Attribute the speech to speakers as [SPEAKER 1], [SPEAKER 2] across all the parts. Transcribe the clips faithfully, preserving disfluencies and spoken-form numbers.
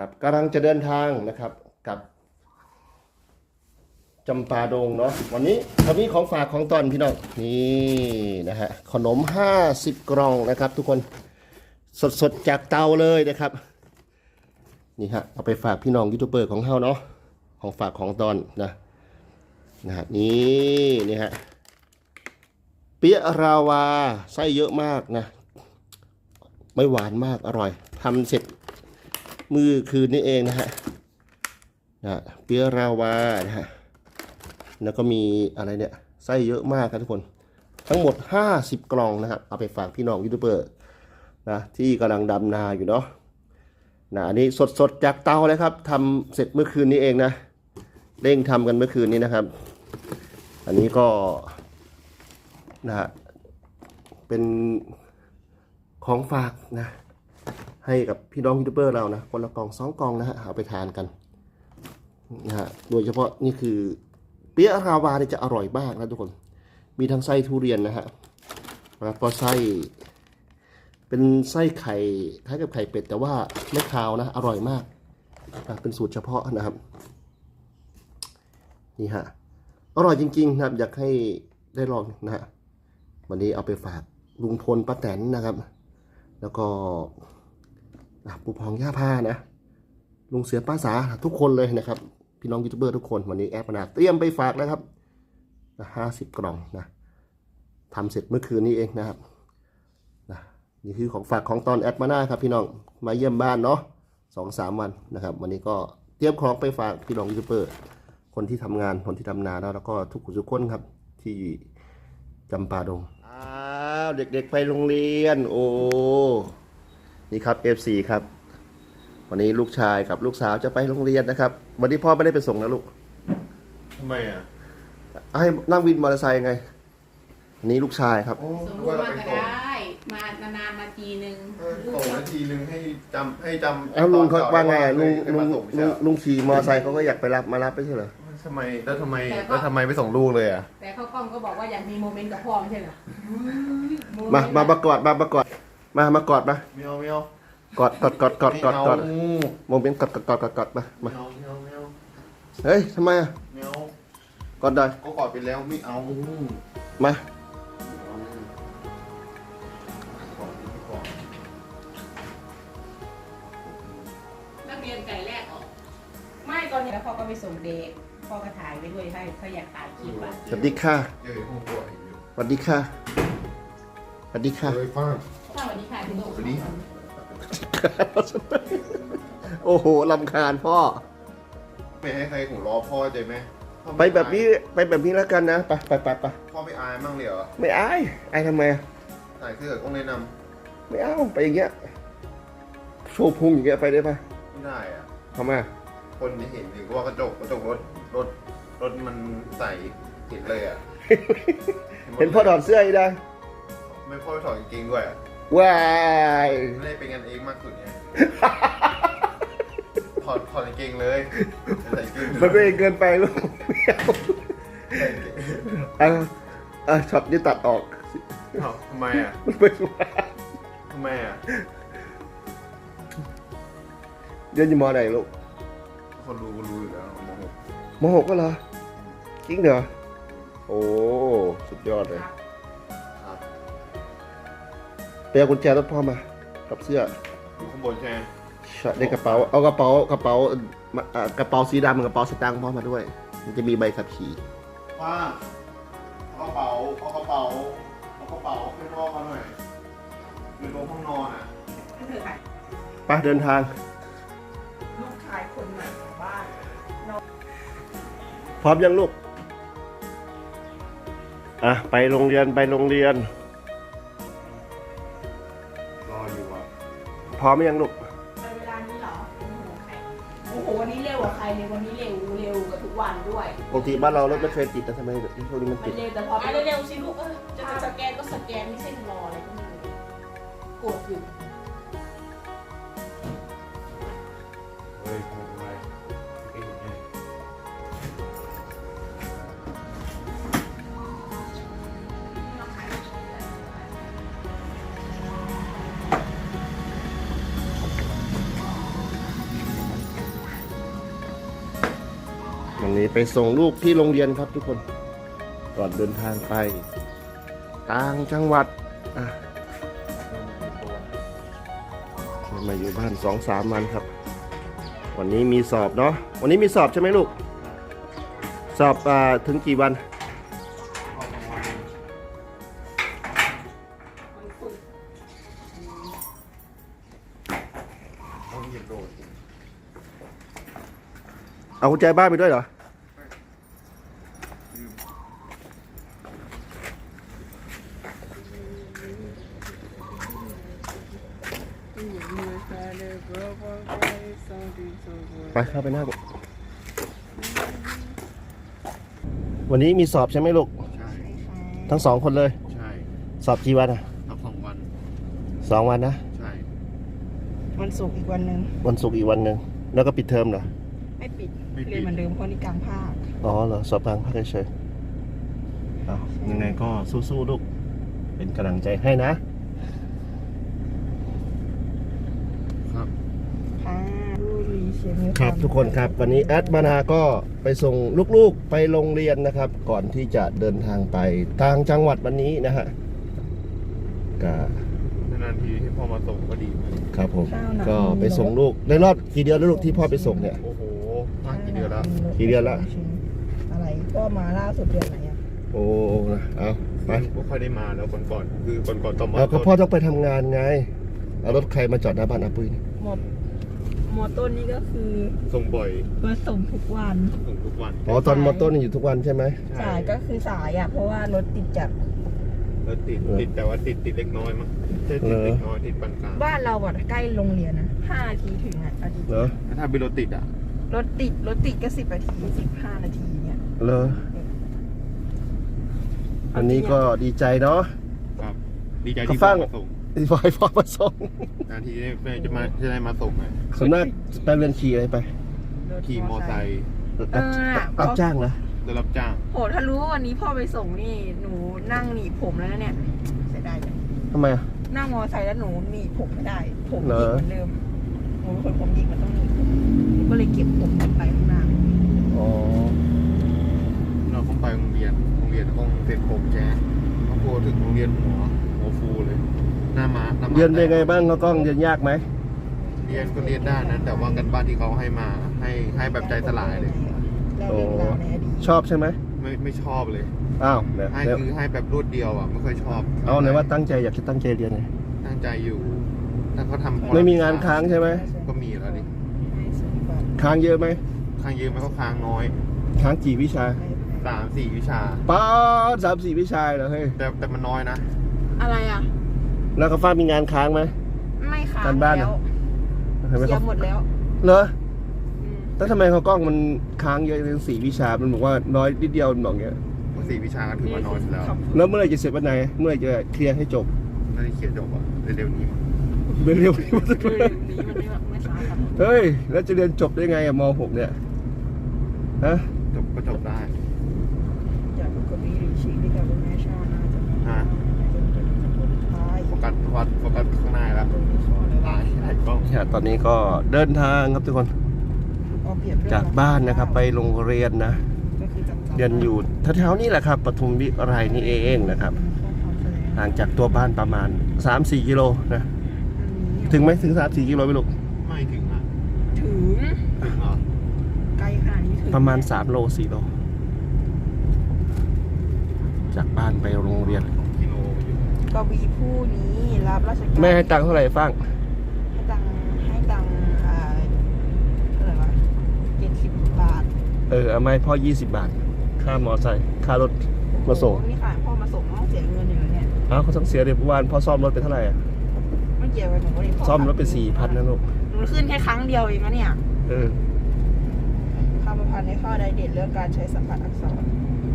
[SPEAKER 1] นะครับกำลังจะเดินทางนะครับกับจำปาดงเนาะวันนี้วันนี้ของฝากของตอนพี่น้องนี่นะฮะขนมห้าสิบกล่องนะครับทุกคนสดๆจากเตาเลยนะครับนี่ฮะเอาไปฝากพี่น้องยูทูบเบอร์ของเฮาเนาะของฝากของตอนนะนะฮะนี่นี่ฮะเปี๊ยะราวาไส้เยอะมากนะไม่หวานมากอร่อยทำเสร็จมือคืนนี้เองนะฮะนะเปี๊ยะราวานะฮะแล้วก็มีอะไรเนี่ยไส้เยอะมากครับทุกคนทั้งหมดห้าสิบกล่องนะครับเอาไปฝากพี่น้องยูทูบเบอร์นะที่กำลังดำนาอยู่เนาะนะอันนี้สดๆจากเตาเลยครับทำเสร็จเมื่อคืนนี้เองนะเร่งทำกันเมื่อคืนนี้นะครับอันนี้ก็นะฮะเป็นของฝากนะให้กับพี่น้องยูทูบเบอร์เรานะคนละกล่องสองกล่องนะฮะเอาไปทานกันนะฮะโดยเฉพาะนี่คือเปี๊ยะราวาเนี่ยจะอร่อยมากนะทุกคนมีทั้งไส้ทุเรียนนะฮะแล้วก็ไส้เป็นไส้ไข่คล้ายกับไข่เป็ดแต่ว่าไม่คาวนะอร่อยมากนะเป็นสูตรเฉพาะนะครับนี่ฮะอร่อยจริงๆนะครับอยากให้ได้ลองนะฮะวันนี้เอาไปฝากลุงพลป้าแตนนะครับแล้วก็ปู่พองย่าพานะลุงเสือป้าสาทุกคนเลยนะครับพี่น้องยูทูบเบอร์ทุกคนวันนี้แอปนาเตรียมไปฝากแล้วครับห้าสิบกล่องนะทำเสร็จเมื่อคืนนี้เองนะครับนะนี่คือของฝากของตอนแอดมาหน้าครับพี่น้องมาเยี่ยมบ้านเนาะสองสามวันนะครับวันนี้ก็เตรียมของไปฝากพี่น้องยูทูบเบอร์คนที่ทำงานคนที่ทำนาแล้วก็ทุกคนทุกคนครับที่จำปาดงอ้าวเด็กๆไปโรงเรียนโอ้นี่ครับ เอฟ ซี ครับวันนี้ลูกชายกับลูกสาวจะไปโรงเรียนนะครับวันนี้พ่อไม่ได้ไปส่งนะลูก
[SPEAKER 2] ทำไมอ่ะ
[SPEAKER 1] ให้นั่งวินมอเตอร์ไซค์ไงอันนี้ลูกชายครับ
[SPEAKER 3] ส่งลูกมาก็ได้มานานๆมาทีนึง
[SPEAKER 2] ส่งนาทีนึงให้จำให้จำ
[SPEAKER 1] แล้วลุงเขาว่าไงลุงลุงลุงลุงขี่มอเตอร์ไซค์เขาก็อยากไปรับมารับไปใช่เหรอ
[SPEAKER 2] ทำไมแล้วทำไมแล้วทำไมไม่ส่งลูกเลยอ่ะ
[SPEAKER 3] แต่เขากล้องก็บอกว่าอยากมีโมเมนต์กับพ่อไม่ใช่เหรอ
[SPEAKER 1] มามาประกอดมาประกอดมามากอดมา
[SPEAKER 2] ไม่เอาไม่เอา
[SPEAKER 1] กอดกอดกอดกอดกอดกอดโมเมนต์กอดกอดกอดกอดกอดมามาเฮ้ยทำไมอ่ะ
[SPEAKER 2] ไม่เอา
[SPEAKER 1] กอดได้
[SPEAKER 2] ก็กอดไปแล้วไม่เอา
[SPEAKER 1] มา
[SPEAKER 3] นักเรียนไก่แรกออกไม่ตอนนี้แล้วพ่อก็ไปส่งเด็กพ่อก็ถ่ายไปด้วยให้เขาอยากถ่ายคลิปอ่ะ
[SPEAKER 1] สวัสดีค่ะสวัสดีค่ะสวัสดีค่ะ
[SPEAKER 3] สวัสดีค่ะคุณโตสวัสดี
[SPEAKER 1] โอ้โหลำคาญพ่อ
[SPEAKER 2] ไม่ให้ใครของรอพ่อใจไหม
[SPEAKER 1] ไปแบบนี้ไปแบบนี้แล้วกันนะไปไปไปไป
[SPEAKER 2] พ่อไม่อายมั่งเลยเหรอ
[SPEAKER 1] ไม่อายอายทำไม
[SPEAKER 2] ถ่ายเสื้อต้องแนะนำ
[SPEAKER 1] ไม่เอาไปอย่างเงี้ยโชว์พุงอย่างเงี้ยไปได้ปะ
[SPEAKER 2] ไม่ได้อะ
[SPEAKER 1] ทำไม
[SPEAKER 2] คนจะเห็นหรือว่ากระจกกระจกรถรถรถมันใส่เห็นเลยอ่ะ
[SPEAKER 1] เห็นพ่อถอดเสื้ออีกได้
[SPEAKER 2] ไม่พ่อถอดกางเกงด้วย
[SPEAKER 1] ว้าย
[SPEAKER 2] ไม่ได้เป็นกันเองมากสุดไงถอดถอดกางเกงเลยใส่เกง
[SPEAKER 1] มันเป็นเกินไปลูกอ่ะอ่ะช็อตนี้ตัดออก
[SPEAKER 2] ทำไมอ่ะ
[SPEAKER 1] ไม่รู้
[SPEAKER 2] ทำไมอ่ะ
[SPEAKER 1] เรียนอยู่ม.ไหนลูก
[SPEAKER 2] คนรู้รู้อยู่แล้วม.หก
[SPEAKER 1] ม.หกก็เหรอจริงเหรอโอ้สุดยอดเลยไปเอากุญแจรถพ่อมากับเสื้อ
[SPEAKER 2] อยู่ข้างบนใช่ไหม
[SPEAKER 1] ใช่ในกระเป๋าเอากระเป๋ากระเป๋ากระเป๋าสีดำกระเป๋าสตางค์พ่อมาด้วยมันจะมีใบขับขี่
[SPEAKER 2] ป้าเอากระเป๋าเอากระเป๋าเอากระเป๋าให้พ่อมาหน่อยอยู่ตรงห้องนอนอ่ะ
[SPEAKER 1] ไปเดินทาง
[SPEAKER 3] ลูกชายคนใหม่ของบ้าน
[SPEAKER 1] พร้อมยังลูกอ่ะไปโรงเรียนไปโรงเรียน
[SPEAKER 2] รออยู่อ่ะ
[SPEAKER 1] พร้อมยังลูก
[SPEAKER 3] ในเวลานี้เหรอโอ้โหใครโอ้โหวันนี้เร็วกว่าใครเลยวันนี้เร็วเร็วกว่าทุกวันด้วย
[SPEAKER 1] ปกติบ้านเรารถไม่เคยติดแต่ทำไมช่วงนี้มันติด
[SPEAKER 3] เร็วแต่พอไปเร็วสิลูกจะสแกนก็สแกนไม่ใช่รออะไรก็ไม่รู้กดอยู่
[SPEAKER 2] เฮ้ยทำไมเก่งไง
[SPEAKER 1] นี้ไปส่งลูกที่โรงเรียนครับทุกคนก่อนเดินทางไปต่างจังหวัดอ่ะมาอยู่บ้านสองสามวันครับ วันนี้มีสอบเนาะวันนี้มีสอบใช่ไหมลูกสอบอ่าถึงกี่วันเอากุญแจบ้านไปด้วยเหรอไปเข้าไปนั่งวันนี้มีสอบใช่ไหมลูก
[SPEAKER 2] ใช่
[SPEAKER 1] ทั้งสองคนเลย
[SPEAKER 2] ใช่
[SPEAKER 1] สอบกี่วันอ่ะ
[SPEAKER 2] ทับสองวัน
[SPEAKER 1] สองวันนะ
[SPEAKER 2] ใช่
[SPEAKER 3] วันศุกร์อีกวันหนึ่ง
[SPEAKER 1] วันศุกร์อีกวันหนึ่งแล้วก็ปิดเทอมเหรอ
[SPEAKER 3] ไม่ปิด
[SPEAKER 2] ไม่
[SPEAKER 3] เรี
[SPEAKER 2] ปิ
[SPEAKER 3] ยน
[SPEAKER 2] ด
[SPEAKER 3] เหมือนเดิมเพราะนี่กลางภาค
[SPEAKER 1] อ๋อเหรอสอบกลางภาคเฉยๆอ้าวยังไงก็สู้ๆลูกเป็นกำลังใจให้นะ
[SPEAKER 2] ครับ
[SPEAKER 3] ค่ะดูรีเชียมี
[SPEAKER 1] ครับทุกคนครับวันนี้แอดมานาก็ไปส่งลูกๆไปโรงเรียนนะครับ ก่อนที่จะเดินทางไปต่างจังหวัดวันนี้นะฮะก็
[SPEAKER 2] นานๆทีให้พ่อมาส่งก็ดีเหมือนกัน
[SPEAKER 1] ครับผมก็ไปส่งลูกในรอบกี่เดือนแล้วลูกที่พ่อไปส่งเนี่ย
[SPEAKER 2] โอ้โหมากกี่เดือนแล้ว
[SPEAKER 1] กี่เดือนละ
[SPEAKER 3] อะไรก็มาล่าสุดเดือนไหนอ่ะ
[SPEAKER 1] โอ้นะเอาไป
[SPEAKER 2] ไม่ค่อยได้มาแล้วก่อนก่อนๆคือก่อนก่อนๆต่อมา
[SPEAKER 1] เอาก็พ่อต้องไปทำงานไงเอารถใครมาจอดหน้าบ้านอาปุ้ยนี่
[SPEAKER 3] หมดมอต้นนี่ก็คือ
[SPEAKER 2] ส่งบ่อย
[SPEAKER 3] มาส่งทุกวัน
[SPEAKER 2] ส่งทุกวัน
[SPEAKER 1] อ๋อตอนมอต้นอยู่ทุกวันใช่ไหม
[SPEAKER 3] สายก็คือสายอ่ะเพราะว่ารถติดจัด
[SPEAKER 2] แล้วติด
[SPEAKER 1] เออ
[SPEAKER 2] ติดแต่ว่าติดติดเล็กน้อยมั้งใช่ติดเล็กน้อยติดปานกลาง
[SPEAKER 3] บ้านเราอ่ะใกล้โรงเรียนนะห้านาทีถึงอ่ะอาทิตย์
[SPEAKER 1] เหรอ
[SPEAKER 2] แล้วถ้าเป็นรถติดอ่ะ
[SPEAKER 3] รถติดรถติดก็สิบนาทีสิบห้านาทีเนี่ย
[SPEAKER 1] เหรออันนี้ก็ดีใจเนาะ
[SPEAKER 2] ครับดีใจ
[SPEAKER 1] เขา
[SPEAKER 2] ที่
[SPEAKER 1] ฟั
[SPEAKER 2] พ่อง มาส่ง
[SPEAKER 1] ที่พ่อให้พ่อมาส่ง
[SPEAKER 2] นานทีได้แม่จะมาจะได้มาส่งไง
[SPEAKER 1] ส่วนมากไปเรียนขี่อะไรไป
[SPEAKER 3] รถ
[SPEAKER 2] ขี่มอไซค์
[SPEAKER 1] รับรับจ้างเหรอ
[SPEAKER 2] ได้รับจ้าง
[SPEAKER 3] โหถ้ารู้ว่าวันนี้พ่อไปส่งนี่หนูนั่งหนีบผมแล้วนะเนี่ยเสียดายจัง
[SPEAKER 1] ทำไมอ่ะ
[SPEAKER 3] นั่งมอไซค์แล้วหนูหนีบผมไม่ได้ ผม
[SPEAKER 1] เหร
[SPEAKER 3] หยิ
[SPEAKER 1] อ
[SPEAKER 3] กเหมือนเดิมหนูเป็นคนผมหยิกมันต้องหนีบผมหนูก็เลยเก็บผมไปข้างหน้า
[SPEAKER 1] อ๋อ
[SPEAKER 2] เราต้องไปโรงเรียนโรงเรียนต้องเสร็จผมแจ๊สต้องโทรถึงโรงเรียนหัวหัวฟูเลยหน้ามาหน้ามา
[SPEAKER 1] เรียนเป็นไงบ้างเขากล้องเรียนยากไหม
[SPEAKER 2] เรียนก็เรียนได้นะแต่ว่ากันบ้านที่เขาให้มาให้ให้แบบใจสลายเลย
[SPEAKER 3] แล้วเรื่องราวในอดีต
[SPEAKER 1] ชอบใช่ไหม
[SPEAKER 2] ไม่ไม่ชอบเลย
[SPEAKER 1] อ้าวเนี่ย
[SPEAKER 2] ให้
[SPEAKER 1] เนี่ย
[SPEAKER 2] คือให้แบบรวดเดียวอ่ะไม่ค่อยชอบ
[SPEAKER 1] เอาไหนว่าตั้งใจอยากจะตั้งใจเรียนไง
[SPEAKER 2] ตั้งใจอยู่ถ้าเขาทำ
[SPEAKER 1] ไม่มีงานค้างใช่ไหม
[SPEAKER 2] ก็มีแล้วดิ
[SPEAKER 3] ให้สิบบาท
[SPEAKER 1] ค้างเยอะไหม
[SPEAKER 2] ค้างเยอะไหมก็ค้างน้อย
[SPEAKER 1] ค้างกี่วิชา
[SPEAKER 2] สามสี่วิชา
[SPEAKER 1] ป้าดสามสี่วิชาเหรอเฮ้ย
[SPEAKER 2] แต่แต่มันน้อยนะ
[SPEAKER 3] อะไรอ่ะ
[SPEAKER 1] แล้วก็ฟ้ามีงานค้างไหม
[SPEAKER 3] ไม่ค้าง
[SPEAKER 1] การบ้าน
[SPEAKER 3] แล้ว
[SPEAKER 1] เห็นไหม
[SPEAKER 3] เสีย
[SPEAKER 1] เขา
[SPEAKER 3] หมดแล้ว
[SPEAKER 1] เหรอ
[SPEAKER 3] อืม
[SPEAKER 1] แล้วทำไมเขากล้องมันค้างเยอะถึงสี่วิชา มันบอกว่าน้อยนิดเดียวมันบอกเงี้ย
[SPEAKER 2] สี่วิชาก็ถือว่าน้อยแล้ว
[SPEAKER 1] แล้วเมื่อไหรจะเสร็จวันไหน เมื่อไหรจะเคลียร์ให้จบ
[SPEAKER 2] น่าจะเขียนจบอ่ะเร็วๆนี้มั้ง
[SPEAKER 1] เร็วๆนี้มันจะ
[SPEAKER 3] เรื่องนี้มันไม่ไม่ช้าครับ
[SPEAKER 1] เฮ้ย แล้วจะเรียนจบได้ไงอะม .หก เนี่ย ฮะ
[SPEAKER 2] จบก็จบได้
[SPEAKER 3] จากปกติหรือชีวิตกับคุณแม่ชาน่าจะ
[SPEAKER 2] ฮะ
[SPEAKER 3] จนเป็นคนท้าย
[SPEAKER 2] โฟกัสวัดโฟกัสข้างหน้าแล้วตายไอ้กล้อง
[SPEAKER 1] เนี่ยตอนนี้ก็เดินทางครับทุกคน
[SPEAKER 3] เอาเปรียบเรื่อง
[SPEAKER 1] จากบ้านนะครับ ไปโรงเรียนนะ
[SPEAKER 3] ก็คือจับจับ
[SPEAKER 1] เรียนอยู่แถวๆนี้แหละครับปทุมวิไรนี่เองนะครับ ห่างจากตัวบ้านประมาณ สามสี่ กิโลนะ ถึงไหมถึง สามสี่ กิโลไหมลูก
[SPEAKER 2] ไม่ถึงอ่ะ
[SPEAKER 3] ถึง
[SPEAKER 2] ถึงเหรอ
[SPEAKER 3] ไกลขนาดนี้ถึง
[SPEAKER 1] ประมาณ สาม โล สี่ โล จากบ้านไปโรงเรียน
[SPEAKER 2] สองกิโลอยู่
[SPEAKER 3] กวีผู้นี้รับราชการ
[SPEAKER 1] แม่ให้ตังค์เท่าไหร่ฟัง
[SPEAKER 3] ให้ตังค์ให้ตังค์อ่าเท่าไหร่วะเจ็ดสิบบาท
[SPEAKER 1] เออเอามาให้พ่อ ยี่สิบบาท ค่ามอไซค์ค่ารถมาส่ง
[SPEAKER 3] โอ้โหนี่ค่ะพ่อมาส่งต้องเสียเงินอยู่แล้วเนี่ย
[SPEAKER 1] อ้าวเขาต้องเสียเดี๋ยวเมื่อวานพ่อซ่อมรถไปเท่าไหร่อะ
[SPEAKER 3] ไม่เกี่ยวกับหนูก็เลยพ่
[SPEAKER 1] ซ่อมรถไปสี่พันนะลูก
[SPEAKER 3] หนูขึ้นแค่ครั้งเดียวเองนะเนี่ย
[SPEAKER 1] เออ
[SPEAKER 3] คำประพันธ์ในข้อใดเด่นเรื่องการใช้สัมผัสอักษร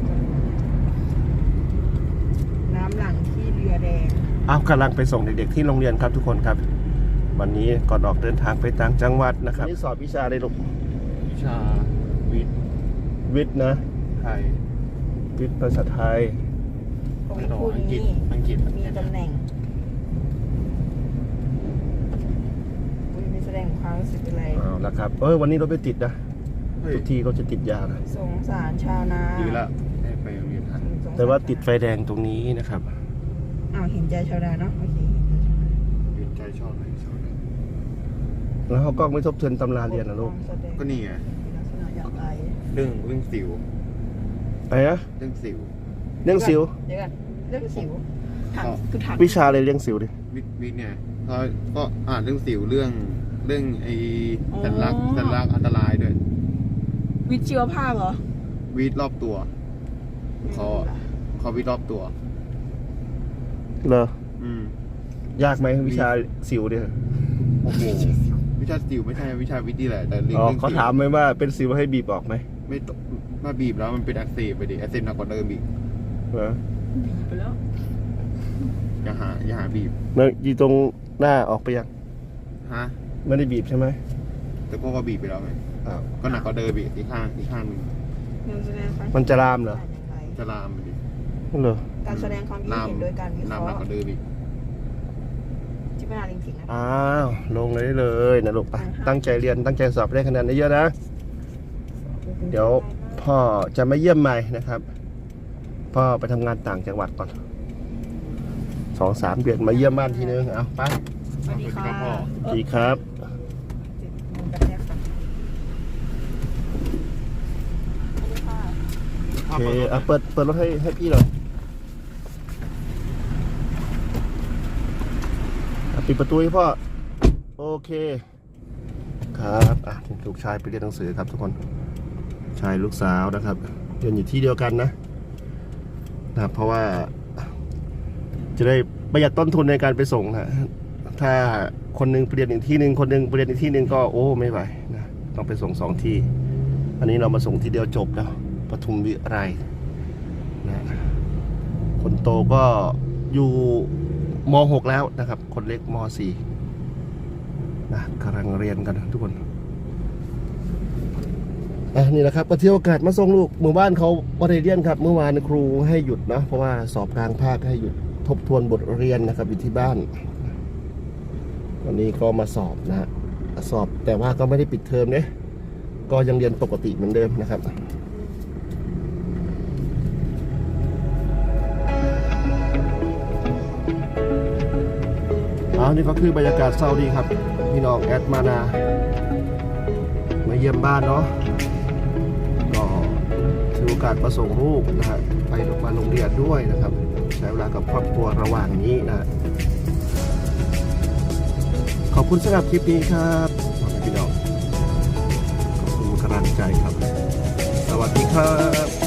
[SPEAKER 3] น้ำหลังที่เรือแดง
[SPEAKER 1] อ้าวกำลังไปส่งเด็กๆที่โรงเรียนครับทุกคนครับ วันนี้ก่อนออกเดินทางไปต่างจังหวัดนะครับนี่สอบวิชาอะไรลูก
[SPEAKER 2] วิชาวิทย์
[SPEAKER 1] วิทย์นะ
[SPEAKER 2] ไทย
[SPEAKER 1] วิทย์ภาษาไทย
[SPEAKER 3] กวี
[SPEAKER 2] ต่อ
[SPEAKER 3] ผู้
[SPEAKER 2] อังกฤษ
[SPEAKER 3] นี้
[SPEAKER 2] อังกฤษ
[SPEAKER 3] มีตำแหน่งอุ๊ยไม่แสดงความรู้สึกอะไร
[SPEAKER 1] เอาละครับ เออวันนี้รถไม่ติดนะ
[SPEAKER 2] เอ
[SPEAKER 1] ทุกทีเขาจะติดยาวนะ
[SPEAKER 4] สงสารชาวนา
[SPEAKER 2] ดีละให้ไปโรงเรียนทัน
[SPEAKER 4] สงสร
[SPEAKER 1] แต่ว่าติดไฟแดงตรงนี้นะครับ
[SPEAKER 4] อ้าวเห็นใจชาวนาเนาะโอเค
[SPEAKER 2] เรียนใจชอบไหนชอบไหน
[SPEAKER 1] แล้วเขาก็ไม่ทบทวนตำราเรียนนะลูก
[SPEAKER 4] แสดง
[SPEAKER 2] ก็นี่ไง
[SPEAKER 4] ลักษณะอย่างไร
[SPEAKER 2] เรื่องเรื่องสิว
[SPEAKER 1] อะไรนะ
[SPEAKER 2] เรื่องสิว
[SPEAKER 1] เรื่องสิว
[SPEAKER 4] เดี๋ยวกันเรื่องสิวถังคือถัง
[SPEAKER 1] วิชาอะไรเรื่องสิวดิ
[SPEAKER 2] วิทย์วิทย์เนี่ยเขาก็อ่านเรื่องสิวเรื่องเรื่องไอ้สัญลักษณ์สัญลักษณ์อันตรายด้วย
[SPEAKER 4] วิทย์ชีวภาพเหรอ
[SPEAKER 2] วิทย์รอบตัวเขาอะเขาวิทย์รอบตัว
[SPEAKER 1] เหรอ
[SPEAKER 2] อืม
[SPEAKER 1] ยากไหมวิชาสิวเนี่ย
[SPEAKER 2] โอ้โหวิชาสิวไม่ใช่วิชาวิทย์นี่แหละแต่เรื่อง
[SPEAKER 1] อ๋อ
[SPEAKER 2] เรื่อง
[SPEAKER 1] เขา
[SPEAKER 2] สิว
[SPEAKER 1] ถามไหมว่าเป็นสิวให้บีบออกไหม
[SPEAKER 2] ไม่ตมาบีบแล้วมันเป็นอักเสบไปดิอักเสบหนักกว่าเดิมอีก
[SPEAKER 1] เหรอ
[SPEAKER 4] บีบไปแล้ว
[SPEAKER 2] อย่าหาอย่าหาบีบ
[SPEAKER 1] เมื่อยีตรงหน้าออกไปยัง
[SPEAKER 2] ฮะ
[SPEAKER 1] ไม่ได้บีบใช่ไหม
[SPEAKER 2] แต่พวกก็บีบไปแล้วไง
[SPEAKER 1] อ้าว
[SPEAKER 2] ก็หนักกว่าเดิมอีกอีกข้างอีกข้างหนึง
[SPEAKER 4] การแสดงความ
[SPEAKER 1] มันจะลามเหรอ
[SPEAKER 2] จะลามไปดิ
[SPEAKER 1] เหรอ
[SPEAKER 4] การแสดงความคิด
[SPEAKER 2] ลาม
[SPEAKER 4] เห็นโดยการวิเค
[SPEAKER 2] ลาม
[SPEAKER 4] ราะ
[SPEAKER 2] หนัก
[SPEAKER 4] ห์
[SPEAKER 2] กว่าเดิมอีก
[SPEAKER 4] จิตวิทยาจริงๆนะ
[SPEAKER 1] อ้าวลงเลยได้เลยนะลูกไปตั้งใจเรียนตั้งใจสอบได้คะแนนเยอะๆนะ เดี๋ยวพ่อจะมาเยี่ยมใหม่นะครับ พ่อไปทำงานต่างจังหวัดก่อนสองสามเดือนมาเยี่ยมบ้านทีนึงเอาไป
[SPEAKER 4] สวัสดีค่ะ
[SPEAKER 2] พ่อ
[SPEAKER 1] ดีครับ
[SPEAKER 4] มือกันแรกค่ะสวัสดีค่ะ
[SPEAKER 1] โอเคเอาเปิดเปิดรถให้ให้พี่หน่อยอ่ะปิดประตูให้พ่อโอเคครับอ่ะลูกชายไปเรียนหนังสือครับทุกคนชายลูกสาวนะครับเรียนอยู่ที่เดียวกันนะนะครับเพราะว่า จะได้ประหยัดต้นทุนในการไปส่งนะถ้าคนหนึงไปเรียนอีกที่หนึ่งคนหนึงไปเรียนอีกที่หนึ่งก็โอ้ไม่ไหวนะต้องไปส่งสองที่ อันนี้เรามาส่งทีเดียวจบแล้วปทุมวิไลนะคนโตก็อยู่ม หก แล้วนะครับ คนเล็กม สี่นะกำลังเรียนกันทุกคนอ่ะนี่แหละครับก็เที่ยวโอกาสมาส่งลูกหมู่บ้านเขาบริเรียนครับ เมื่อวานครูให้หยุดนะเพราะว่าสอบกลางภาคให้หยุดทบทวนบทเรียนนะครับอยู่ที่บ้าน วันนี้ก็มาสอบนะฮะสอบแต่ว่าก็ไม่ได้ปิดเทอมเนี่ยก็ยังเรียนปกติเหมือนเดิมนะครับเอานี่ก็คือบรรยากาศเศร้าดีครับพี่น้องแอดมานามาเยี่ยมบ้านเนาะก็ถือโอกาสมาส่งลูกนะฮะไปมาโรงเรียนด้วยนะครับใช้เวลากับครอบครัวระหว่างนี้นะ ขอบคุณสำหรับคลิปนี้ครับพี่น้องขอบคุณกำลังใจครับ สวัสดีครับ